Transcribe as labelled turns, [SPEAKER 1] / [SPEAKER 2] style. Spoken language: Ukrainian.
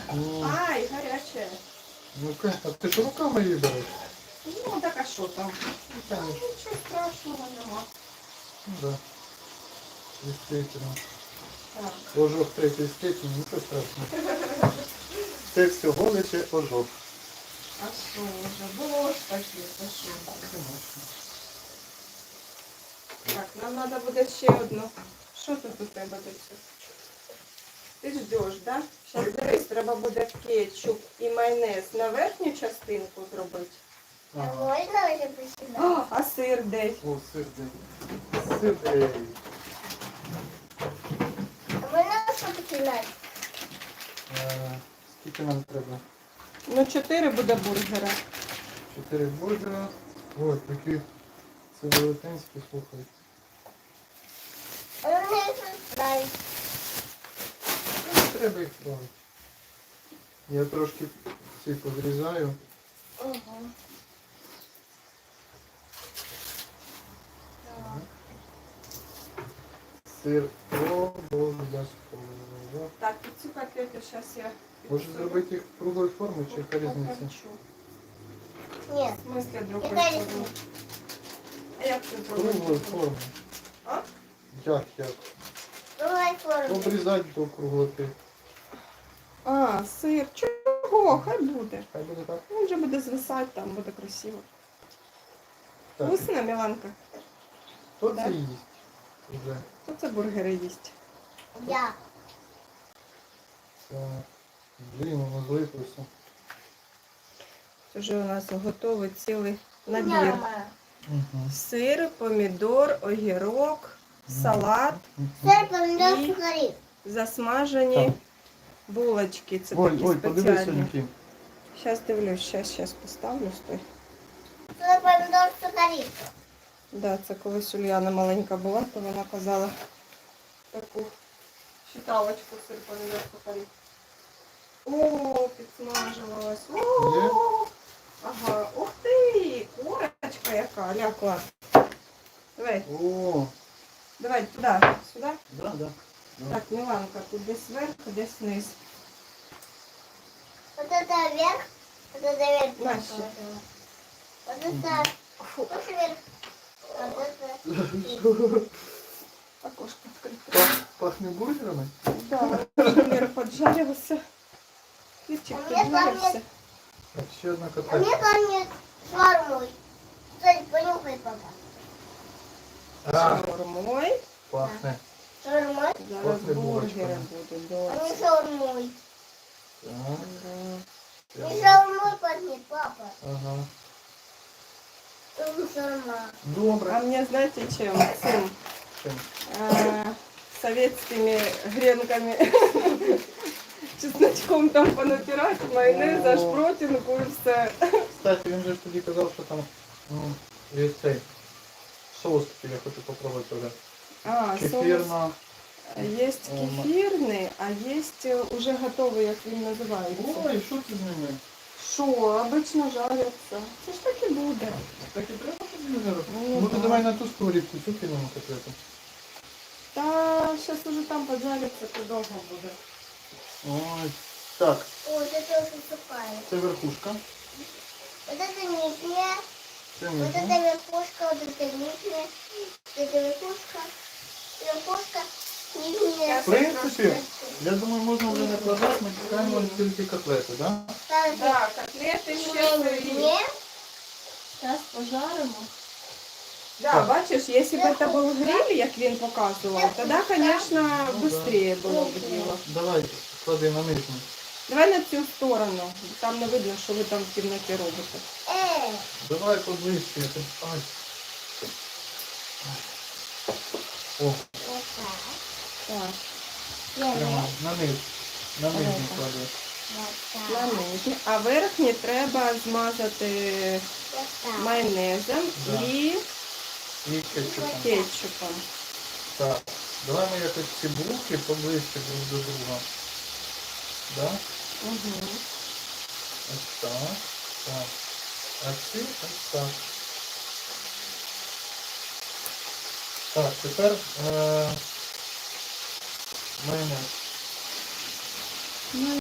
[SPEAKER 1] Ай, гаряче.
[SPEAKER 2] Ну-ка, а ти ж руками її береш?
[SPEAKER 1] Ну, так а що там? Нічого страшного нема.
[SPEAKER 2] Ну да. Действительно.
[SPEAKER 1] Так.
[SPEAKER 2] Ожог третьої степені, нічого страшного. Це всього лише ожог.
[SPEAKER 1] А що вже? Було ж таке, то що? Так, нам треба буде ще одну. Що тут у тебе до цього? Ти ждеш, так? Да? Зараз дивись, треба буде кетчуп і майонез на верхню частинку зробити.
[SPEAKER 2] Ага.
[SPEAKER 3] Можна вже посідати?
[SPEAKER 1] А сир де?
[SPEAKER 2] О, сир де. Сир де.
[SPEAKER 3] А можна що починати?
[SPEAKER 2] Скільки нам треба?
[SPEAKER 1] Ну, 4 буде бургера.
[SPEAKER 2] 4 бургера. Ой, такі це велетенські, слухай.
[SPEAKER 3] А вони розставить.
[SPEAKER 2] Не треба їх плавити. Я трошки ці подрізаю.
[SPEAKER 3] Угу.
[SPEAKER 2] Сир обов'язково.
[SPEAKER 1] Так, і цю котлету зараз я...
[SPEAKER 2] Може зробити їх круглої форми чи яка різниця?
[SPEAKER 1] Хочу.
[SPEAKER 3] Ні.
[SPEAKER 1] В смысле другой
[SPEAKER 3] Яка
[SPEAKER 1] форми?
[SPEAKER 3] різниця?
[SPEAKER 1] А як це
[SPEAKER 2] Круглої
[SPEAKER 1] зробити?
[SPEAKER 2] форми.
[SPEAKER 1] А?
[SPEAKER 2] Як?
[SPEAKER 3] Давай форму.
[SPEAKER 2] Обрізати до круглоти.
[SPEAKER 1] А, сир. Чого? Хай буде.
[SPEAKER 2] Хай буде так.
[SPEAKER 1] Він вже буде звисати, там буде красиво.
[SPEAKER 2] Так.
[SPEAKER 1] Вкусно, Міланка?
[SPEAKER 2] Хто
[SPEAKER 1] Да.
[SPEAKER 2] це їсть? Уже.
[SPEAKER 1] Хто це бургери їсть?
[SPEAKER 3] Я.
[SPEAKER 2] Так. Блін, воно злиплося.
[SPEAKER 1] Це вже у нас готовий цілий набір.
[SPEAKER 3] Мама.
[SPEAKER 2] Угу.
[SPEAKER 1] Сир, помідор, огірок, салат,
[SPEAKER 3] Це помідор
[SPEAKER 1] І-
[SPEAKER 3] сухарі.
[SPEAKER 1] засмажені
[SPEAKER 2] Так.
[SPEAKER 1] булочки. Це
[SPEAKER 2] Ой,
[SPEAKER 1] такі
[SPEAKER 2] ой, подивися,
[SPEAKER 1] спеціальні.
[SPEAKER 2] які.
[SPEAKER 1] Зараз дивлюсь, зараз поставлю, стой.
[SPEAKER 3] Це помідор сухарі.
[SPEAKER 1] Да, це колись Ульяна маленька була, то вона казала таку читалочку сир помідор сухарі. О, підсмажилась.
[SPEAKER 2] Є?
[SPEAKER 1] О, ага, ух ти, курочка яка, ля, клас. Давай,
[SPEAKER 2] О,
[SPEAKER 1] давай туди, сюди.
[SPEAKER 2] да, да.
[SPEAKER 1] Так, Міланка, тут десь вверх, десь вниз.
[SPEAKER 3] Вот это вверх, вот это вверх.
[SPEAKER 1] Настя.
[SPEAKER 3] Вот это вот вверх. Вот это.
[SPEAKER 1] Окошко відкрите.
[SPEAKER 2] Пахне бургерами?
[SPEAKER 1] Да, Мир поджарився. Кирчик
[SPEAKER 3] А мне
[SPEAKER 1] поджарився.
[SPEAKER 2] Так, ще одна
[SPEAKER 3] А мне
[SPEAKER 2] котлетка.
[SPEAKER 3] пахнет швармой. Кстати, понюхай пока.
[SPEAKER 2] А,
[SPEAKER 1] Шаурмой.
[SPEAKER 2] пахне.
[SPEAKER 3] Швармой.
[SPEAKER 1] Зараз
[SPEAKER 2] Пахне
[SPEAKER 1] бургери
[SPEAKER 2] булочками.
[SPEAKER 1] будуть.
[SPEAKER 3] А
[SPEAKER 1] доця.
[SPEAKER 3] не шаурмой.
[SPEAKER 2] Так.
[SPEAKER 1] Да.
[SPEAKER 3] Не шаурмой пахнет, папа.
[SPEAKER 2] Ага.
[SPEAKER 3] Не шаурма.
[SPEAKER 1] А
[SPEAKER 2] Добре.
[SPEAKER 1] мне знаете чем? Цим,
[SPEAKER 2] Чим?
[SPEAKER 1] советскими гренками. Чесночком там понапирать, майонез, аж
[SPEAKER 2] О.
[SPEAKER 1] протинку і все.
[SPEAKER 2] Кстати, він же ж тоді казав, що там є цей соус, який я хочу попробувати вже.
[SPEAKER 1] А, соус.
[SPEAKER 2] Кефірно.
[SPEAKER 1] Есть кефирный, а есть уже готовый, як він називається.
[SPEAKER 2] Ой, що ти з ними?
[SPEAKER 1] Що, обично жаряться. Це ж так і буде.
[SPEAKER 2] Так і треба тобі зараз?
[SPEAKER 1] Ну,
[SPEAKER 2] Ну ти
[SPEAKER 1] да.
[SPEAKER 2] давай на ту сковорідку, цю кинемо котлету.
[SPEAKER 1] Та зараз уже там поджариться, то довго буде.
[SPEAKER 2] Ой. Так,
[SPEAKER 3] Вот это уже сухая.
[SPEAKER 2] це верхушка.
[SPEAKER 3] Вот это нижняя.
[SPEAKER 2] Це
[SPEAKER 3] Вот
[SPEAKER 2] нижня.
[SPEAKER 3] это верхушка, вот это нижняя. Вот это верхушка. Верхушка. Нижняя.
[SPEAKER 2] В принципі, я думаю, можна вже накладати, ми чекаємо тільки котлети, так? Да?
[SPEAKER 3] Ставь
[SPEAKER 1] Так, котлети ще сирі.
[SPEAKER 3] нижняя.
[SPEAKER 1] Зараз пожаримо. Да,
[SPEAKER 2] Так.
[SPEAKER 1] бачиш, якщо б це був гриль, як він показував, тоді, звісно,
[SPEAKER 2] Ну,
[SPEAKER 1] швидше було б діло.
[SPEAKER 2] Давай, клади на нижню.
[SPEAKER 1] Давай на цю сторону, там не видно, що ви там в кімнаті робите.
[SPEAKER 2] Давай поближче. Ай. О,
[SPEAKER 3] Вот так.
[SPEAKER 1] Так,
[SPEAKER 2] прямо на низ. На нижню
[SPEAKER 1] Давай.
[SPEAKER 2] клади.
[SPEAKER 3] Вот
[SPEAKER 1] на
[SPEAKER 3] так.
[SPEAKER 1] нижнє. А верхнє треба змазати
[SPEAKER 3] Вот так.
[SPEAKER 1] майонезом
[SPEAKER 2] Да.
[SPEAKER 1] і
[SPEAKER 2] І кетчупом.
[SPEAKER 1] кетчупом.
[SPEAKER 2] Так. Давай ми якось ці булки поближче друг до друга. Да?
[SPEAKER 1] Угу.
[SPEAKER 2] Ось так. Так. А ці ось так. Так, тепер майонез.
[SPEAKER 1] Ну,